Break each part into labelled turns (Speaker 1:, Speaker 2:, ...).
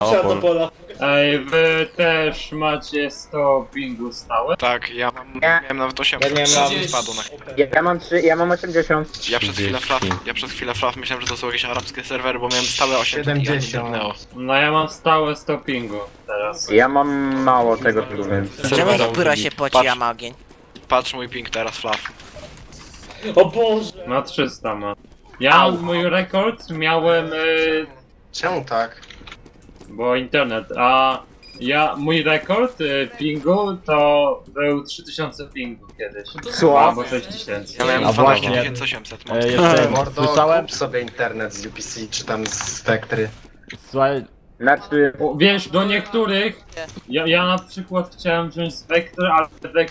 Speaker 1: Trzeba do pola.
Speaker 2: Ej, wy też macie 100 pingu stałe?
Speaker 3: Tak, ja miałem nawet 8,
Speaker 1: Ja nie mam.
Speaker 3: spadło na...
Speaker 4: Ja mam 80.
Speaker 3: Ja przez chwilę flaf myślałem, że to są jakieś arabskie serwery, bo miałem stałe 8 i
Speaker 5: 70.
Speaker 2: No ja mam stałe 100 pingu teraz.
Speaker 4: Ja mam mało tego tu, więc...
Speaker 6: Czemu skóra się poci, a ma ogień?
Speaker 3: Patrz mój ping teraz, flaf.
Speaker 1: O Boże!
Speaker 2: Ma 300 ma. Ja mój rekord miałem,
Speaker 5: Czemu tak?
Speaker 2: bo internet, a mój rekord pingu to był 3000 pingu kiedyś.
Speaker 4: Co?
Speaker 2: Albo 6000.
Speaker 3: Ja miałem
Speaker 7: A właśnie.
Speaker 3: 2800. mam.
Speaker 7: Jeszcze
Speaker 5: Mordo,
Speaker 7: słyszałem,
Speaker 5: kup sobie internet z UPC czy tam z Spectry.
Speaker 7: słuchaj,
Speaker 4: Znaczy...
Speaker 2: O, wiesz, do niektórych, ja na przykład chciałem wziąć Spectre, ale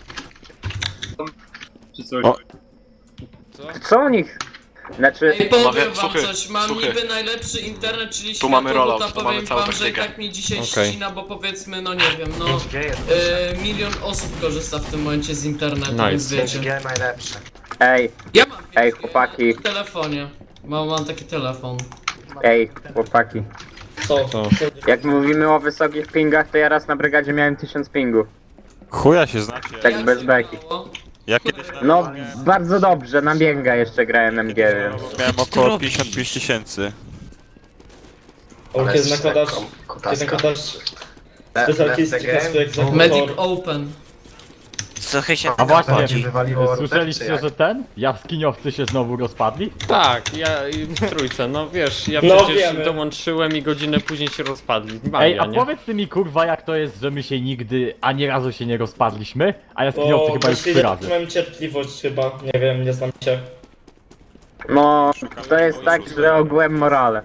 Speaker 2: czy coś.
Speaker 7: O.
Speaker 4: Co u nich? Znaczy...
Speaker 8: Ej, powiem
Speaker 3: Panowie,
Speaker 8: wam
Speaker 3: słuchy,
Speaker 8: coś, mam
Speaker 3: słuchy.
Speaker 8: niby najlepszy internet, czyli
Speaker 3: Tu mamy
Speaker 8: światowód,
Speaker 3: rollout,
Speaker 8: a
Speaker 3: tu
Speaker 8: powiem
Speaker 3: mamy całą
Speaker 8: wam, że i
Speaker 3: taktykę.
Speaker 8: tak mi dzisiaj
Speaker 7: Okej.
Speaker 8: ścina, bo powiedzmy, no nie wiem, no
Speaker 5: 5G jest lepsze.
Speaker 8: milion osób korzysta w tym momencie z internetu,
Speaker 7: Nice.
Speaker 8: więc wiecie.
Speaker 5: 5G najlepsze.
Speaker 4: Ej,
Speaker 8: Ja mam
Speaker 4: Ej,
Speaker 8: 5G
Speaker 4: chłopaki.
Speaker 8: w telefonie. Mam taki telefon.
Speaker 4: ej, chłopaki.
Speaker 1: Co?
Speaker 7: Co?
Speaker 4: Jak mówimy o wysokich pingach, to ja raz na brygadzie miałem 1000 pingu.
Speaker 9: Chuja się znacie.
Speaker 4: Tak
Speaker 8: Jak
Speaker 4: bez
Speaker 8: się
Speaker 4: beki.
Speaker 8: mało?
Speaker 9: Ja kiedyś
Speaker 4: No, bardzo dobrze, na bięga jeszcze grałem MG, więc...
Speaker 9: miałem około 55 tysięcy.
Speaker 1: O,
Speaker 5: Ale
Speaker 1: kiedy nakładasz... Kiedy
Speaker 5: kutaska.
Speaker 1: nakładasz...
Speaker 5: Left
Speaker 1: Specjalistyczny
Speaker 5: the game.
Speaker 1: swój egzekutor.
Speaker 8: Medic Open.
Speaker 6: Trochę się...
Speaker 7: a właśnie,
Speaker 5: Bardziej wywaliło router, czy
Speaker 7: słyszeliście,
Speaker 5: jak?
Speaker 7: że jaskiniowcy się znowu rozpadli?
Speaker 10: Tak, ja i w trójce, no wiesz, ja
Speaker 1: No
Speaker 10: przecież
Speaker 1: wiemy.
Speaker 10: dołączyłem i godzinę później się rozpadli.
Speaker 7: Ej,
Speaker 10: Magia,
Speaker 7: a
Speaker 10: nie?
Speaker 7: powiedz ty mi kurwa jak to jest, że my się nigdy, ani razu się nie rozpadliśmy, a jaskiniowcy
Speaker 1: Bo
Speaker 7: chyba już 3
Speaker 1: właściwie
Speaker 7: razy.
Speaker 1: mam cierpliwość chyba, nie wiem, nie znam się.
Speaker 4: No, to jest tak, że ogółem morale.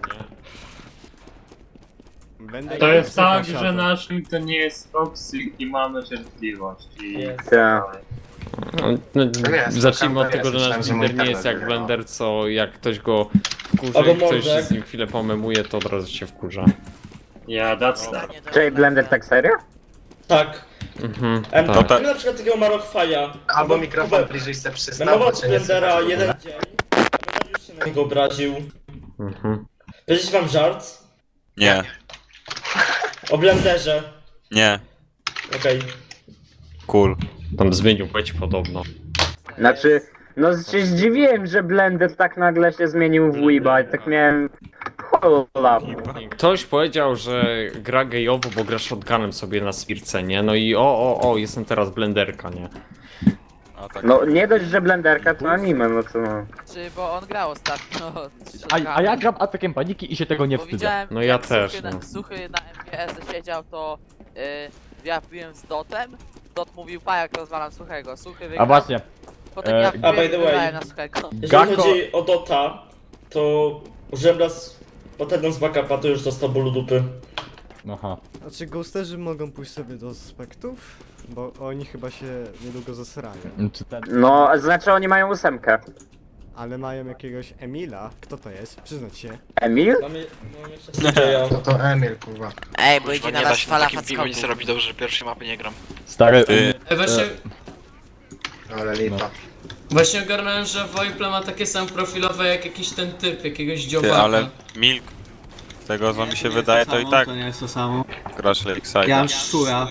Speaker 2: To jest tak, że nasz link to nie jest toxic i mamy cierpliwość.
Speaker 1: Jest.
Speaker 4: Tak.
Speaker 10: No,
Speaker 5: jest,
Speaker 10: zacznijmy od
Speaker 5: to
Speaker 10: tego, że
Speaker 5: jest,
Speaker 10: nasz
Speaker 5: myślałem, że
Speaker 10: Blender nie
Speaker 5: mój
Speaker 10: jest jak
Speaker 5: internet
Speaker 10: Blender, co jak ktoś go wkurza
Speaker 1: Albo
Speaker 10: i ktoś
Speaker 1: może.
Speaker 10: z nim chwilę pomemuje, to od razu się wkurza.
Speaker 2: Yeah, that's that.
Speaker 4: Czyli Blender tak serio?
Speaker 1: Tak.
Speaker 10: Mhm,
Speaker 1: Em,
Speaker 10: tak.
Speaker 1: Mamy na przykład takiego Marokwaja.
Speaker 5: Albo mikrofon bliżej se przystał,
Speaker 1: Memował
Speaker 5: bo cię nie
Speaker 1: Blendera
Speaker 5: słychać w ogóle.
Speaker 1: jeden dzień. Blender już się na niego obraził.
Speaker 10: Mhm.
Speaker 1: Powiedzieć wam żart?
Speaker 9: Nie,
Speaker 1: O Blenderze.
Speaker 9: nie,
Speaker 1: Okej.
Speaker 9: cool.
Speaker 10: Tam zmienił płeć podobno.
Speaker 4: Znaczy, no się zdziwiłem, że Blender tak nagle się zmienił w Weeba i tak miałem... Hola.
Speaker 10: Ktoś powiedział, że gra gejowo, bo gra shotgunem sobie na spirce, nie? No i o, jestem teraz Blenderka, nie?
Speaker 9: A tak.
Speaker 4: No nie dość, że Blenderka to anime, no to no.
Speaker 6: Czy, bo on grał ostatnio.
Speaker 7: A ja gram atakiem paniki i się tego nie
Speaker 6: Bo
Speaker 7: wstydzę.
Speaker 6: widziałem,
Speaker 10: No ja
Speaker 6: jak
Speaker 10: też,
Speaker 6: Suchy,
Speaker 10: no.
Speaker 6: Suchy na MGS siedział, to ja wbiłem z Dotem. Dot mówił, pa jak rozwalam Suchego. Suchy wygrał.
Speaker 7: A właśnie,
Speaker 6: Potem ja
Speaker 1: a by
Speaker 6: wbiłem
Speaker 1: the
Speaker 6: i
Speaker 1: way.
Speaker 6: wygrałem na Suchego.
Speaker 1: Jeżeli
Speaker 7: Gakko-
Speaker 1: chodzi o Dota, to użyłem raz potem z backupa, to już dostał bólu dupy.
Speaker 7: aha.
Speaker 11: A czy ghosterzy mogą pójść sobie do spektów? Bo oni chyba się niedługo zasrają.
Speaker 7: Czy ten...
Speaker 4: No, znaczy oni mają 8.
Speaker 11: Ale mają jakiegoś Emila. Kto to jest? Przyznać się.
Speaker 4: Emil?
Speaker 1: Mamy jeszcze sędzieja.
Speaker 5: To Emil, kurwa.
Speaker 6: Ej, bo
Speaker 3: Kurwa,
Speaker 6: idzie na
Speaker 3: nie da
Speaker 6: was
Speaker 3: się na
Speaker 6: fala
Speaker 3: takim pingu nic
Speaker 6: fackoków.
Speaker 3: robić, dobrze, że pierwszej mapy nie gram.
Speaker 7: Stary...
Speaker 9: Ty.
Speaker 8: Ej, właśnie,
Speaker 5: Ale lipa.
Speaker 8: właśnie ogarnąłem, że Wojple ma takie same profilowe jak jakiś ten typ, jakiegoś
Speaker 9: Ty,
Speaker 8: dziobaka.
Speaker 9: ale Milk, z tego co mi się wydaje, to i tak
Speaker 12: To nie jest to samo.
Speaker 9: grasz Lakeside.
Speaker 12: Ja mam szczura.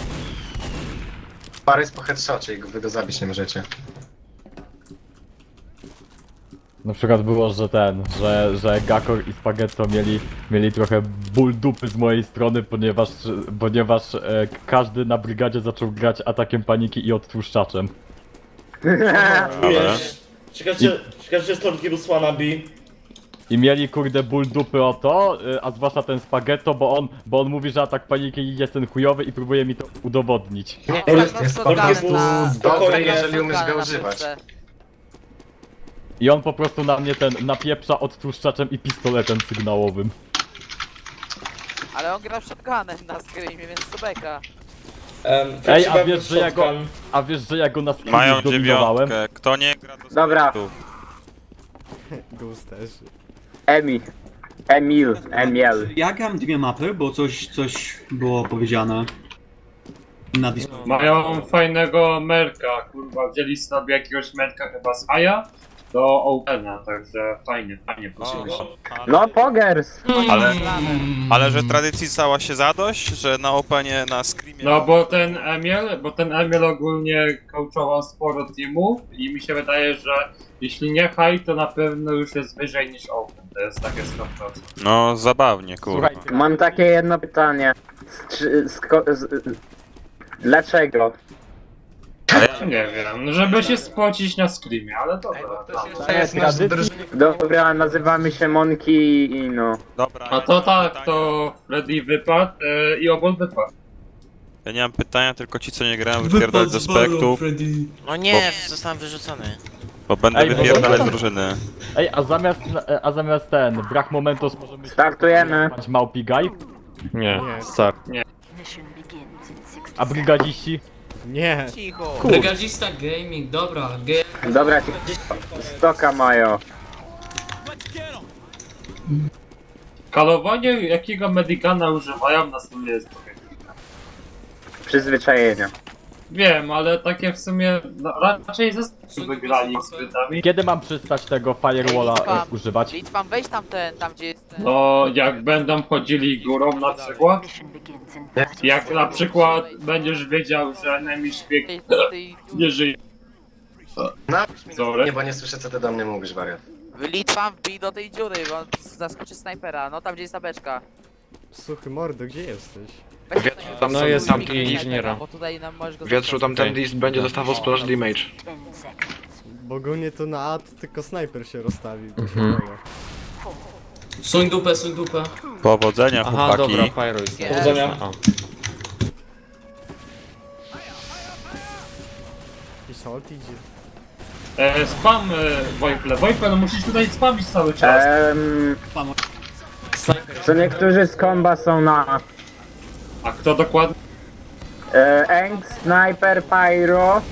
Speaker 5: Parę jest po headshocie i wy go zabić nie możecie.
Speaker 7: Na przykład było, że że Gakor i Spaghetto mieli trochę ból dupy z mojej strony, ponieważ każdy na brygadzie zaczął grać atakiem paniki i odtłuszczaczem.
Speaker 1: Wiesz, ciekawe, że jest to takiego wannabe.
Speaker 7: I mieli kurde ból dupy o to, a zwłaszcza ten Spaghetto, bo on mówi, że atak paniki jest ten chujowy i próbuje mi to udowodnić.
Speaker 5: Nie,
Speaker 1: Ale
Speaker 5: jest
Speaker 1: Spaghetto
Speaker 5: po
Speaker 1: był
Speaker 5: prostu dobry,
Speaker 1: spokojnie,
Speaker 5: jeżeli umiesz go używać.
Speaker 7: I on po prostu na mnie napieprza odtłuszczaczem i pistoletem sygnałowym.
Speaker 6: Ale on gra shotgunem na screamie, więc to beka.
Speaker 7: Ej, a wiesz, że ja go na screamie
Speaker 9: Mają
Speaker 7: zdominowałem?
Speaker 9: dziewiątkę, kto nie gra to
Speaker 4: Dobra.
Speaker 9: spektów.
Speaker 11: Ghosterzy.
Speaker 4: Emil.
Speaker 12: Ja gram dwie mapy, bo coś było powiedziane. Na Discord.
Speaker 2: Mają fajnego merka, kurwa, wzięli sobie jakiegoś merka chyba z Haja do Opena, także fajnie poszło.
Speaker 4: No pogers!
Speaker 9: Ale że tradycji stała się zadość, że na Openie, na Screamie...
Speaker 2: No bo ten Emil ogólnie coachował sporo teamów i mi się wydaje, że jeśli nie high, to na pewno już jest wyżej niż Open, to jest takie 100%.
Speaker 9: No, zabawnie, kurwa.
Speaker 7: Słuchajcie,
Speaker 4: Mam takie jedno pytanie. Dlaczego?
Speaker 2: Nie wiem, żeby się spocić na screamie, ale dobra.
Speaker 4: Dobra, nazywamy się Monki i no.
Speaker 9: Dobra,
Speaker 2: A to tak, to Freddy wypadł i Obon wypadł.
Speaker 9: ja nie mam pytania, tylko ci co nie grają wypierdalać ze spektów,
Speaker 3: No nie, zostałem wyrzucony.
Speaker 9: bo będę
Speaker 7: Ej, bo-
Speaker 9: wypierdalać z drużyny.
Speaker 7: ej, a zamiast ten, brak momentos możemy
Speaker 4: Startujemy.
Speaker 7: się małpi gaj?
Speaker 10: Nie,
Speaker 11: Nie.
Speaker 10: start.
Speaker 7: A brygadziści?
Speaker 11: Nie.
Speaker 6: Cicho.
Speaker 8: Brygadzista Gaming, dobra.
Speaker 4: Dobra, stoka mają.
Speaker 2: Kalowanie jakiego medykana używają na sumie jest trochę.
Speaker 4: Przyzwyczajenia.
Speaker 2: Wiem, ale takie w sumie no, raczej ze wygrali z Brytami.
Speaker 7: Kiedy mam przystać tego firewalla używać?
Speaker 6: Litwam, weź tam tam gdzie jest ten...
Speaker 2: No, jak będą chodzili górą na przykład, jak na przykład będziesz wiedział, że enemy szpieg nie żyje.
Speaker 5: No,
Speaker 2: Sorry.
Speaker 5: nie, bo nie słyszę co ty do mnie mówisz, wariat.
Speaker 6: Litwam, wbij do tej dziury, bo on zaskoczy snajpera. No tam gdzie jest ta beczka.
Speaker 11: Suchy mordo, gdzie jesteś?
Speaker 6: Weź
Speaker 3: Wiatr,
Speaker 6: tutaj-
Speaker 3: tam
Speaker 10: No
Speaker 3: są
Speaker 10: jest
Speaker 3: snajpera,
Speaker 10: tam i inżyniera.
Speaker 6: Bo tutaj nam możesz go
Speaker 3: Wietrzu, tam ten
Speaker 10: Okej.
Speaker 3: list będzie dostawał splash damage.
Speaker 11: Bo ogólnie to na ad tylko snajper się rozstawi.
Speaker 8: Suń dupę, suń dupę.
Speaker 9: Powodzenia,
Speaker 10: Aha,
Speaker 9: chłopaki.
Speaker 10: dobra, Pyro jest.
Speaker 1: Powodzenia.
Speaker 10: O.
Speaker 11: I Salt idzie.
Speaker 2: Spam Wojple, no musisz tutaj spamić cały czas.
Speaker 4: Co niektórzy z komba są na
Speaker 2: A kto dokładnie?
Speaker 4: Eng, Sniper, Pyro.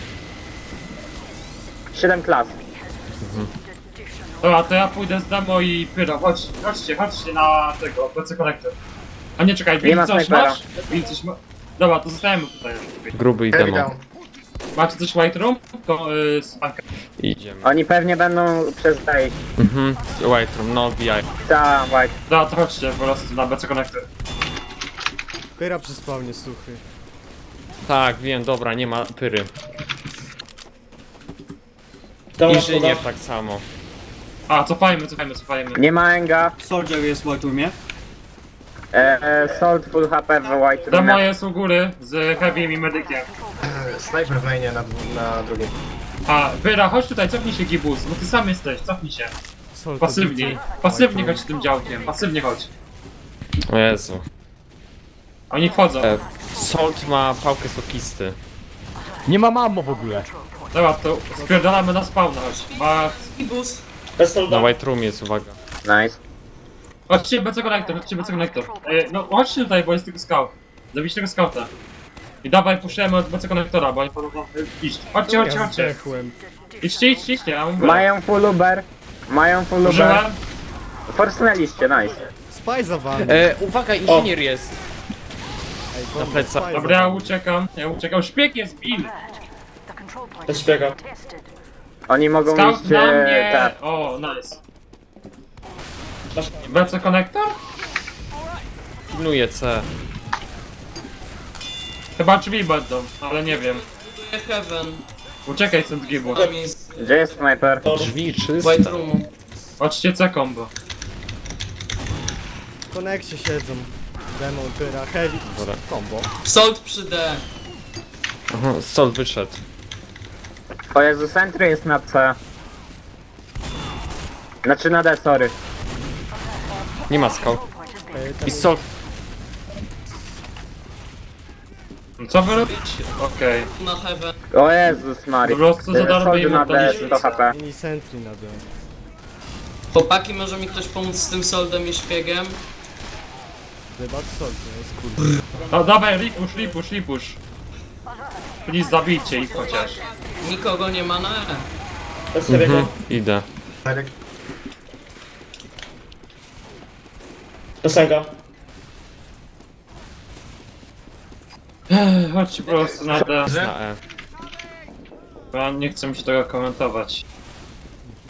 Speaker 4: 7 klas.
Speaker 2: Dobra, to ja pójdę z Demo i Pyro, chodźcie na tego, PC Connector. A nie, czekaj,
Speaker 4: Nie
Speaker 2: Bill
Speaker 4: ma
Speaker 2: coś
Speaker 4: snajpera.
Speaker 2: masz? Bill coś ma... Dobra, to zostajemy tutaj.
Speaker 10: Gruby i
Speaker 5: Heavy
Speaker 10: demo.
Speaker 5: down.
Speaker 2: Macie coś White Room? To spanka.
Speaker 10: Idziemy.
Speaker 4: Oni pewnie będą przez tej.
Speaker 10: White Room, no BI.
Speaker 4: Ta, white.
Speaker 2: Dobra, to chodźcie po prostu na PC Connector.
Speaker 11: Pyra przy spawnie suchy.
Speaker 10: Tak, wiem, dobra, nie ma pyry.
Speaker 1: Tam
Speaker 10: Inżynier tak samo.
Speaker 2: A, cofajmy.
Speaker 4: Nie ma Enga.
Speaker 12: Soldier jest w White Roomie.
Speaker 4: Salt full HP w white
Speaker 2: Demo
Speaker 4: roomie.
Speaker 2: jest u góry z Heavym i Medykiem.
Speaker 5: Sniper w mainie na drugim.
Speaker 2: A, Pyra, chodź tutaj, cofnij się Gibus, bo ty sam jesteś, cofnij się.
Speaker 11: Salt
Speaker 2: Pasywnie chodź tym działkiem, pasywnie chodź.
Speaker 10: O Jezu.
Speaker 2: Oni wchodzą.
Speaker 10: Salt ma pałkę sokisty.
Speaker 7: Nie ma mamo w ogóle.
Speaker 2: Dobra, to spierdalamy na spawna, chodź.
Speaker 8: Ibus.
Speaker 1: Bez
Speaker 10: Na
Speaker 1: soldaty.
Speaker 10: White Room jest, uwaga.
Speaker 4: Nice.
Speaker 2: Chodźcie BC Connector. No chodźcie tutaj, bo jest tylko scout. Zabić tego scouta. I dawaj, puszczamy od BC Connectora, bo oni podobno iść. Chodźcie.
Speaker 11: Zdechłem.
Speaker 2: Idźcie, ja mówię.
Speaker 4: Mają full Uber.
Speaker 2: Użyłem.
Speaker 4: Forsnęliście, nice.
Speaker 11: Spy za wami.
Speaker 10: Uwaga, inżynier jest.
Speaker 11: Ej,
Speaker 10: na
Speaker 11: bomba,
Speaker 10: plecach.
Speaker 11: spy
Speaker 2: Dobra,
Speaker 11: za
Speaker 2: ja
Speaker 11: wami.
Speaker 2: uciekam. Szpieg jest, Bill!
Speaker 1: Bez szpiega.
Speaker 4: Oni mogą
Speaker 2: Scout
Speaker 4: iść
Speaker 2: na mnie!
Speaker 4: tak.
Speaker 2: O, nice. BC Connector?
Speaker 10: Pilnuje C.
Speaker 2: Chyba drzwi będą, ale nie wiem.
Speaker 8: Heaven.
Speaker 2: Uciekaj stąd Gibu.
Speaker 8: Tam jest
Speaker 4: Gdzie jest sniper?
Speaker 10: Drzwi czyste.
Speaker 8: White Roomu.
Speaker 2: Chodźcie C combo.
Speaker 11: W konekcie siedzą. Demon, pyra, heavy.
Speaker 10: Dobra.
Speaker 11: Combo.
Speaker 8: Salt przy D.
Speaker 10: Aha, Salt wyszedł.
Speaker 4: O Jezu, Sentry jest na C. Znaczy na D, sorry.
Speaker 10: Nie ma skał.
Speaker 11: Ten
Speaker 10: I Salt.
Speaker 2: Co wy robicie? Okej.
Speaker 8: Na Heaven.
Speaker 4: O Jezus Mary.
Speaker 2: Po prostu za darmo
Speaker 4: Soldy
Speaker 2: im
Speaker 4: na D,
Speaker 2: oddaliśmy.
Speaker 4: 100 HP.
Speaker 11: mini sentry na D.
Speaker 8: Chłopaki, może mi ktoś pomóc z tym soldem i szpiegiem?
Speaker 11: Debat Salt, to jest kurde.
Speaker 2: No dawaj, ripush. Please zabijcie ich chociaż.
Speaker 8: Nikogo nie ma na E.
Speaker 1: Bez heavy'ego.
Speaker 10: Idę.
Speaker 5: Medyk.
Speaker 1: Bez Enga.
Speaker 2: Chodźcie po prostu na D.
Speaker 10: Na E.
Speaker 2: Ja nie chcę mi się tego komentować.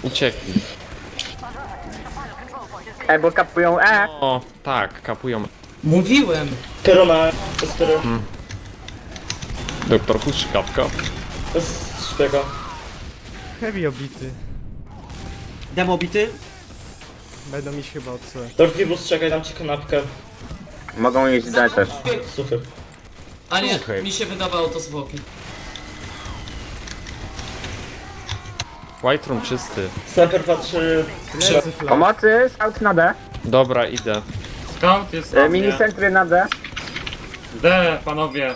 Speaker 10: Uciekli.
Speaker 4: Bo kapują E.
Speaker 10: O, tak, kapują.
Speaker 8: Mówiłem.
Speaker 1: Kerona, Espery,
Speaker 10: Doktor Huszczykawka.
Speaker 1: bez szpiega.
Speaker 11: Heavy obity.
Speaker 12: Demo bity?
Speaker 11: Będą iść chyba od C.
Speaker 1: Dorkibus, czekaj, dam ci kanapkę.
Speaker 4: Mogą iść D też.
Speaker 1: Suchy.
Speaker 8: A nie,
Speaker 10: Słuchaj.
Speaker 8: mi się wydawało to zwłoki.
Speaker 10: White room czysty.
Speaker 1: Sniper patrzy...
Speaker 11: Lecy flash.
Speaker 4: Pomocy, scout na D.
Speaker 10: Dobra, idę.
Speaker 2: Scout jest na
Speaker 4: Mini
Speaker 2: mnie.
Speaker 4: centry na D.
Speaker 2: D, panowie.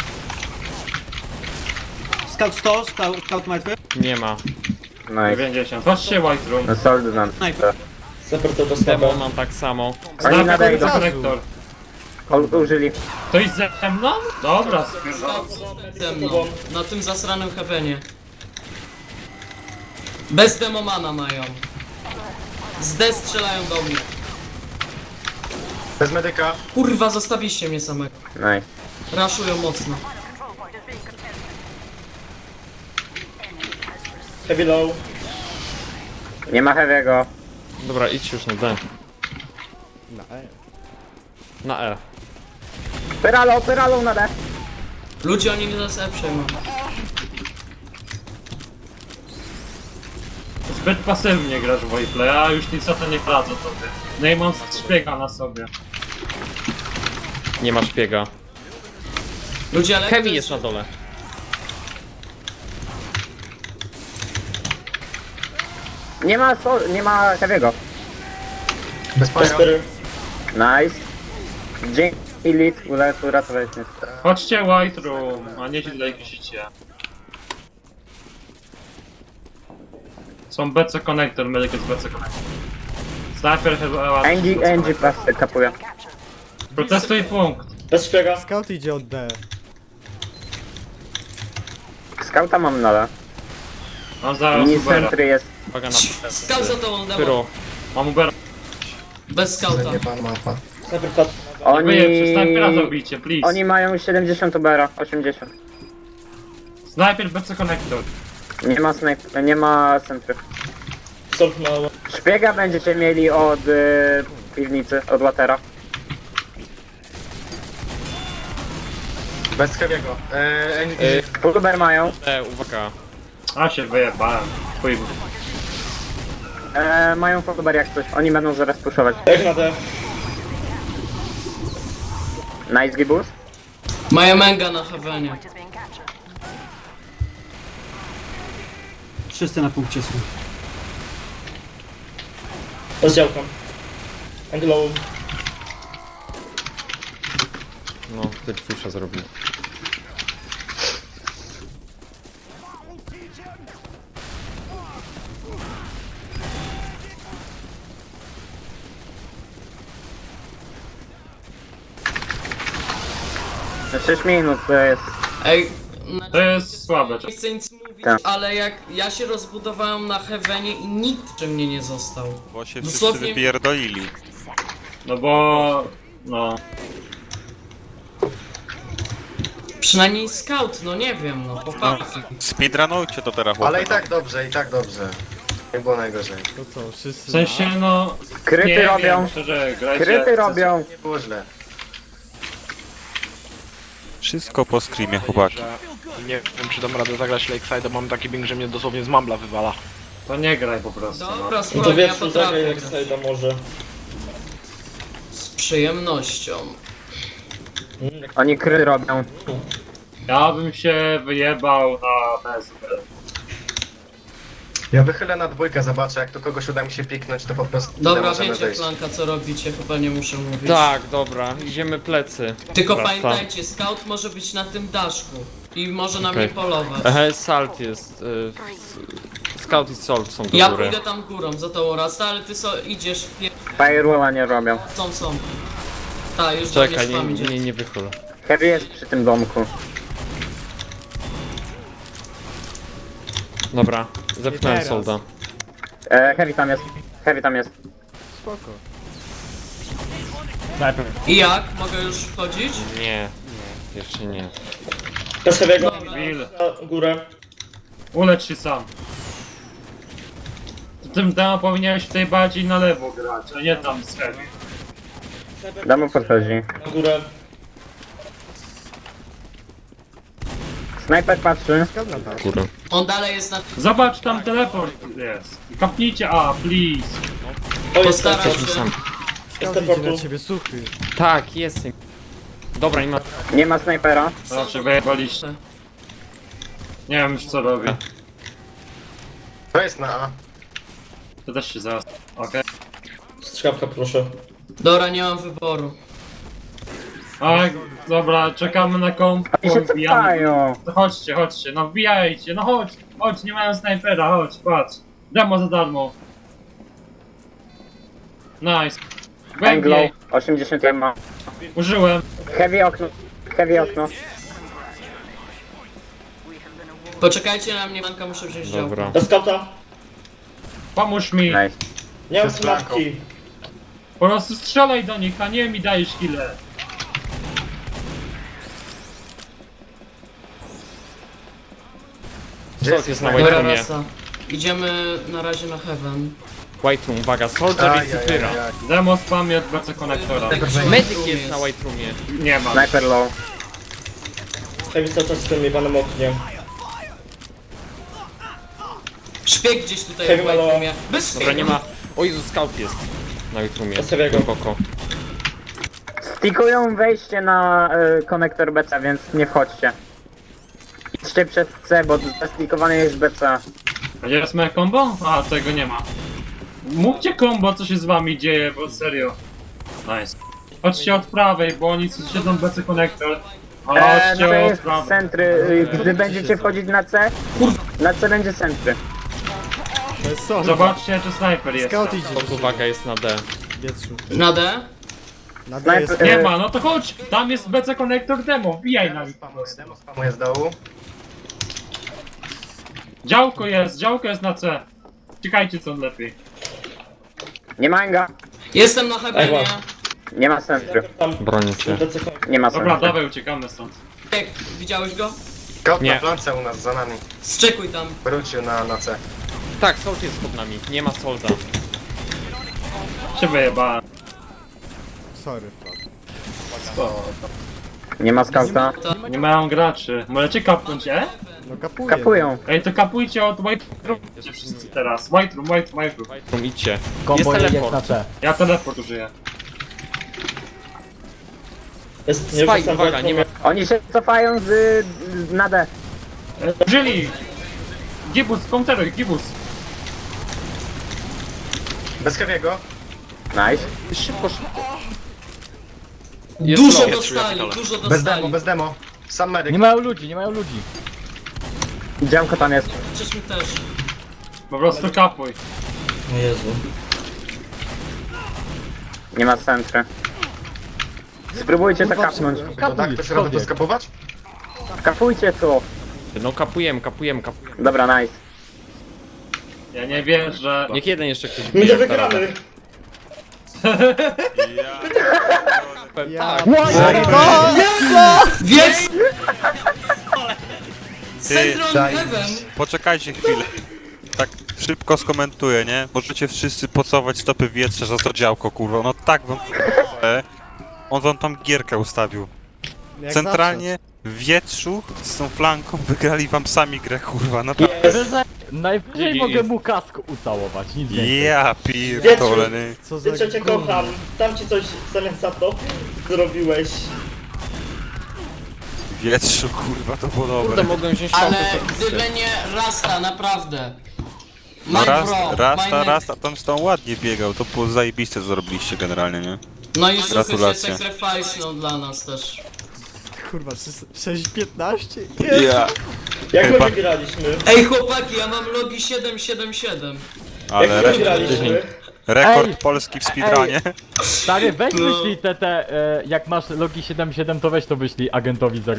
Speaker 12: Scout 100, scout martwy.
Speaker 10: Nie ma.
Speaker 4: Nice.
Speaker 2: 90. Patrzcie White Room.
Speaker 4: No sold na D.
Speaker 12: Sniper.
Speaker 1: Sniper to bez
Speaker 10: Demo
Speaker 1: sniper.
Speaker 10: mam tak samo.
Speaker 4: Oni na D
Speaker 2: Sniper
Speaker 4: idą.
Speaker 2: konektor.
Speaker 4: Użyli.
Speaker 2: Ktoś ze mną? Dobra,
Speaker 8: Ze mną. Na tym zasranym heavenie. Bez demomana mają. Z D strzelają do mnie.
Speaker 5: Bez medyka.
Speaker 8: Kurwa, zostawiliście mnie samego.
Speaker 4: Nice.
Speaker 8: Raszują mocno.
Speaker 1: Heavy low.
Speaker 4: Nie ma heavy'ego.
Speaker 10: Dobra, idź już na D.
Speaker 11: Na E.
Speaker 10: Na E.
Speaker 4: Pyralo na D.
Speaker 8: Ludzie, oni nas E przejmą.
Speaker 2: zbyt pasywnie grasz w Wayplay, a już nic o to nie radzę tobie. No i mam szpiega na sobie.
Speaker 10: Nie ma szpiega.
Speaker 8: Ludzie, ale
Speaker 10: Heavy jest na dole.
Speaker 4: Nie ma heavy'ego.
Speaker 5: Bez paja.
Speaker 1: Espery.
Speaker 4: Nice. Dzięki Lit, uratowałeś mnie.
Speaker 2: Chodźcie White Room, a nie źle wisicie. Są BC Connector, medyk jest BC Connector. Sniper chyba...
Speaker 4: Angie pasy kapuje.
Speaker 2: Protestuj punkt.
Speaker 1: Bez szpiega.
Speaker 11: Scout idzie od D.
Speaker 4: Scouta mam na D.
Speaker 2: Mam zaraz
Speaker 4: Mini
Speaker 2: Ubera.
Speaker 4: centry jest.
Speaker 10: Uwaga na
Speaker 8: Scout za tobą, demo.
Speaker 10: pyro.
Speaker 2: Mam Ubera.
Speaker 8: Bez scouta.
Speaker 5: Nie pan mapa.
Speaker 1: Sniper patrzy.
Speaker 2: Wyjebcie, snajpera zabijcie, please.
Speaker 4: Oni mają 70 ubera, 80.
Speaker 2: Sniper BC Connector.
Speaker 4: Nie ma centry.
Speaker 1: Solt mało.
Speaker 4: Szpiega będziecie mieli od piwnicy, od Watera.
Speaker 5: Bez heavy'ego.
Speaker 4: Uber mają.
Speaker 10: Uwaga.
Speaker 2: A się wyjebałem. Chuj.
Speaker 4: Mają Uber jak coś. Oni będą zaraz puszować.
Speaker 1: Jak na D.
Speaker 4: Nice Gibus.
Speaker 8: Mają Menga na heavenie.
Speaker 12: Wszyscy na punkcie są.
Speaker 1: Bez działka. Angle low.
Speaker 10: No, ty pusza zrobił.
Speaker 4: Na 6 minut to jest.
Speaker 8: Ej,
Speaker 2: To jest słabe.
Speaker 8: nie chcę nic mówić,
Speaker 4: Tak.
Speaker 8: ale jak ja się rozbudowałem na heavenie i nikt przy mnie nie został.
Speaker 9: Bo się
Speaker 8: Dosłownie-
Speaker 9: wszyscy wypierdolili.
Speaker 2: No bo... No.
Speaker 8: Przynajmniej scout, no nie wiem, no chłopaki.
Speaker 9: Speedrunujcie to teraz,
Speaker 5: Ale i
Speaker 9: chłopaki.
Speaker 5: tak dobrze, i tak dobrze. Nie było najgorzej.
Speaker 11: To co, wszyscy
Speaker 2: W sensie no...
Speaker 4: Kryty
Speaker 2: nie
Speaker 4: robią.
Speaker 2: Wiem, szczerze, grajcie.
Speaker 4: Kryty robią.
Speaker 5: Nie było źle.
Speaker 9: Wszystko po screamie, chłopaki.
Speaker 3: Nie wiem, czy dam radę zagrać Lakeside, mam taki bing, że mnie dosłownie z mambla wywala.
Speaker 2: To nie graj po prostu. No.
Speaker 8: Dobra,
Speaker 1: No to
Speaker 8: spokojnie, ja
Speaker 1: wiesz, zagraj
Speaker 8: potrafię
Speaker 1: jak
Speaker 8: grać.
Speaker 1: Sajda może.
Speaker 8: Z przyjemnością.
Speaker 4: Oni kryty robią.
Speaker 2: Ja bym się wyjebał na BSB.
Speaker 5: Ja wychylę na dwójkę, zobaczę, jak tu kogoś uda mi się piknąć, to po prostu
Speaker 8: Dobra,
Speaker 5: możemy
Speaker 8: wiecie
Speaker 5: wejść.
Speaker 8: Flanka co robicie, chyba nie muszę mówić.
Speaker 10: Tak, dobra, idziemy plecy.
Speaker 8: Tylko
Speaker 10: Wraca.
Speaker 8: pamiętajcie, scout może być na tym daszku. I może na
Speaker 10: Okej.
Speaker 8: mnie polować.
Speaker 10: Salt jest. Scout i Salt są do
Speaker 8: Ja
Speaker 10: góry.
Speaker 8: pójdę tam górą za tą Rasta, ale ty idziesz
Speaker 4: Firewalla nie robią.
Speaker 8: są. Tak, już do mnie
Speaker 10: Czekaj,
Speaker 8: spam idzie.
Speaker 10: nie wychyl.
Speaker 4: Heavy jest przy tym domku.
Speaker 10: Dobra, zepchnąłem
Speaker 11: teraz.
Speaker 10: solda.
Speaker 4: Heavy tam jest. Heavy tam jest.
Speaker 11: spoko.
Speaker 8: I jak? Mogę już wchodzić?
Speaker 10: Nie, jeszcze nie.
Speaker 1: Bez heavy'ego.
Speaker 8: Dobra.
Speaker 2: Bill,
Speaker 1: Na górę.
Speaker 2: ulecz się sam. Tym demo powinieneś tutaj bardziej na lewo grać, a nie tam z heavy.
Speaker 4: Damo podchodzi.
Speaker 1: Na górę.
Speaker 4: Snajper patrzy.
Speaker 10: Kurde.
Speaker 8: On dalej jest na...
Speaker 2: Zobacz, tam teleport jest. Kapnijcie A, please.
Speaker 1: O, jest
Speaker 8: Postaram
Speaker 1: tam.
Speaker 8: się.
Speaker 10: Sam.
Speaker 11: Scout idzie na ciebie suchy.
Speaker 10: Tak, jestem. Dobra, nie ma...
Speaker 4: Nie ma snajpera.
Speaker 2: Znaczy wyjebaliście. Nie wiem już co robię.
Speaker 5: To jest na A.
Speaker 2: To też się zaraz. Okej.
Speaker 1: Strzałka proszę.
Speaker 8: Dobra, nie mam wyboru.
Speaker 2: Okay. Dobra, czekamy na komp.
Speaker 4: I się
Speaker 2: Wbijamy.
Speaker 4: cofają.
Speaker 2: To chodźcie, chodźcie, no wbijajcie, no chodź, nie mają snajpera, chodź, patrz. Demo za darmo. Nice.
Speaker 4: Anglo.
Speaker 2: Głębiej,
Speaker 4: 80 ma.
Speaker 2: użyłem.
Speaker 4: Heavy okno. Heavy okno.
Speaker 8: Poczekajcie na mnie, Manka, muszę wziąć działko.
Speaker 10: Dobra.
Speaker 1: Na skauta.
Speaker 2: Pomóż mi.
Speaker 4: Nice.
Speaker 1: Nie mam
Speaker 5: To jest flanką.
Speaker 1: smatki.
Speaker 2: Po prostu strzelaj do nich, a nie mi dajesz killę.
Speaker 5: Gdzie
Speaker 10: Salt jest na
Speaker 5: snajper?
Speaker 10: White
Speaker 8: Dobra,
Speaker 10: Roomie.
Speaker 8: rasa. Idziemy na razie na Heaven.
Speaker 10: White Room, uwaga, Soldier i
Speaker 5: Ajajaj.
Speaker 10: Cypyra.
Speaker 2: Demo spamie od BC konektora.
Speaker 10: Medyk jest na White Roomie.
Speaker 2: Nie ma.
Speaker 4: Sniper low.
Speaker 1: Heavy cały czas w tym jebanym oknie.
Speaker 8: Szpieg gdzieś tutaj w
Speaker 1: Heavy
Speaker 8: White
Speaker 1: Maloa.
Speaker 8: Roomie. Bez
Speaker 10: Dobra, nie
Speaker 8: szpiegu.
Speaker 10: ma... O Jezu, Scout jest na White Roomie.
Speaker 1: Zostawię go.
Speaker 10: Głęboko.
Speaker 4: Stikują wejście na konektor BC, więc nie wchodźcie. Idźcie przez C, bo zastikowane jest BC.
Speaker 2: Gdzie jest moje combo? A, tego nie ma. Mówcie combo, co się z wami dzieje, bo serio. Nice. Chodźcie od prawej, bo oni siedzą w BC konektor.
Speaker 4: No
Speaker 2: Chodźcie
Speaker 4: to
Speaker 2: od
Speaker 4: jest
Speaker 2: prawej.
Speaker 4: centry. Gdy będziecie wchodzić na C, na C będzie centry.
Speaker 11: To jest solda.
Speaker 2: Zobaczcie, czy snajper jest.
Speaker 11: Scout idzie
Speaker 10: Salt, uwaga, jest na D.
Speaker 11: Wietrzu.
Speaker 8: Na D?
Speaker 11: Na D jest...
Speaker 4: Snajper,
Speaker 2: Nie ma, no to chodź! Tam jest BC konektor demo, wbijaj na nich.
Speaker 5: Demo spamuje z dołu.
Speaker 2: Działko jest na C. Czekajcie co lepiej.
Speaker 4: nie ma Enga.
Speaker 8: Jestem na Heavenie.
Speaker 4: Nie ma centry.
Speaker 1: Tam.
Speaker 10: Bronię cię.
Speaker 4: Nie ma
Speaker 2: Dobra,
Speaker 4: centry.
Speaker 2: dawaj, uciekamy stąd.
Speaker 8: Jak, widziałeś go?
Speaker 5: Scout
Speaker 10: Nie.
Speaker 5: na flance u nas za nami.
Speaker 8: Zczekuj tam.
Speaker 5: Wrócił na C.
Speaker 10: Tak, Salt jest pod nami. Nie ma Solda.
Speaker 2: Się wyjebałem.
Speaker 11: Sorry.
Speaker 4: Nie ma scouta.
Speaker 2: Nie mają graczy. Możecie kapnąć,
Speaker 11: No kapuję.
Speaker 4: Kapują.
Speaker 2: Ej, to kapujcie od White Room wszyscy teraz. White Room.
Speaker 10: White Room, idźcie.
Speaker 7: Kombo
Speaker 10: Jest
Speaker 7: jest
Speaker 10: teleport.
Speaker 7: na C.
Speaker 2: Ja teleport użyję.
Speaker 1: Jest nie
Speaker 10: Spike,
Speaker 1: wracam
Speaker 10: uwaga, nie ma...
Speaker 4: Oni się cofają z na D.
Speaker 2: Użyli! Gibus, counteruj, Gibus.
Speaker 5: Bez heavy'ego.
Speaker 4: Nice.
Speaker 10: Szybko, szybko.
Speaker 8: Dużo
Speaker 10: low.
Speaker 8: dostali, dużo
Speaker 5: Bez demo,
Speaker 8: dostali.
Speaker 5: bez demo. Sam medyk.
Speaker 7: Nie mają ludzi, nie mają ludzi.
Speaker 4: Działko tam jest.
Speaker 8: Przecież też.
Speaker 2: Po prostu kapuj.
Speaker 1: O Jezu.
Speaker 4: Nie ma centry. Spróbujcie to
Speaker 11: Kurwa,
Speaker 4: kapnąć.
Speaker 5: To tak, to się robi to skapować?
Speaker 4: Kapujcie tu.
Speaker 10: No kapujemy.
Speaker 4: Dobra, nice.
Speaker 2: Ja nie wierzę.
Speaker 10: Niech jeden jeszcze ktoś
Speaker 1: My
Speaker 10: bije,
Speaker 1: to wygramy.
Speaker 11: Ja...
Speaker 8: Więc...
Speaker 9: Ty,
Speaker 8: Central Heaven.
Speaker 9: poczekajcie chwilę. Tak szybko skomentuję, nie? Możecie wszyscy pocować stopy w wietrze za to działko, kurwa. No tak wam... On wam tam gierkę ustawił.
Speaker 11: Jak
Speaker 9: Centralnie w wietrzu z tą flanką wygrali wam sami grę, kurwa. No tak.
Speaker 7: Najwyżej
Speaker 10: GG.
Speaker 7: mogę mu kask ucałować, nic więcej.
Speaker 9: Ja pierdolę, nie?
Speaker 11: zawsze. Co za
Speaker 1: Wiecie, cię
Speaker 11: gówno.
Speaker 1: kocham. Tam ci coś zamiast za to zrobiłeś.
Speaker 9: W wietrzu, kurwa, to było
Speaker 10: Kurde,
Speaker 9: dobre.
Speaker 10: mogłem wziąć
Speaker 8: Ale
Speaker 10: Solda.
Speaker 8: gdyby nie Rasta, naprawdę.
Speaker 9: No
Speaker 8: My
Speaker 9: Rasta,
Speaker 8: bro, my
Speaker 9: Rasta tam z tą ładnie biegał. To było zajebiste, co zrobiliście generalnie, nie?
Speaker 8: No i suchy się
Speaker 9: Gratulacje.
Speaker 8: sacrifice no, dla nas też.
Speaker 11: Kurwa, 6-15?
Speaker 9: Ja.
Speaker 1: Jak
Speaker 9: Chyba-
Speaker 1: my wygraliśmy?
Speaker 8: Ej chłopaki, ja mam logi 777.
Speaker 9: Ale
Speaker 1: Jak my wygraliśmy?
Speaker 9: rekord
Speaker 7: Ej.
Speaker 9: Polski w speedrunie.
Speaker 7: Stary, weź
Speaker 8: No.
Speaker 7: wyślij jak masz logi 77, to weź to wyślij agentowi 0.